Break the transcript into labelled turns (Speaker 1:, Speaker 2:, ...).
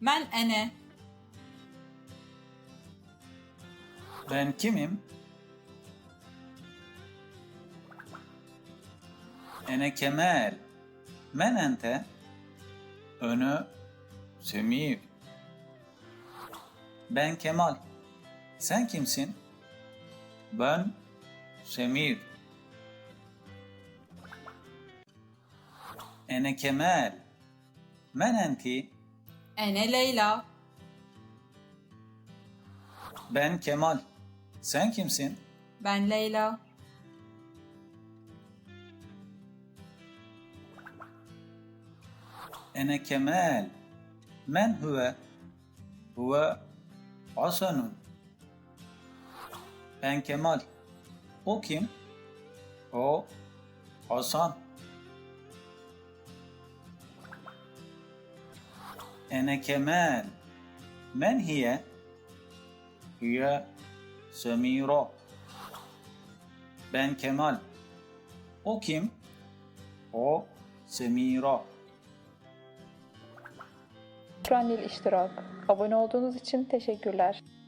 Speaker 1: Men ene.
Speaker 2: Ben kimim? Ene Kemal. Men ente. Önü Semir. Ben Kemal. Sen kimsin? Ben Semir. Ene Kemal. Men enti.
Speaker 1: Ene Leyla.
Speaker 2: Ben Kemal. Sen kimsin?
Speaker 1: Ben Leyla.
Speaker 2: Ene Kemal. Men huve? Huve Hasanun. Ben Kemal. O kim? O Hasan. Ene Kemal. Men hiye? Hiye Semira. Ben Kemal. O kim? O Semira.
Speaker 3: Şükran lil iştirak. Abone olduğunuz için teşekkürler.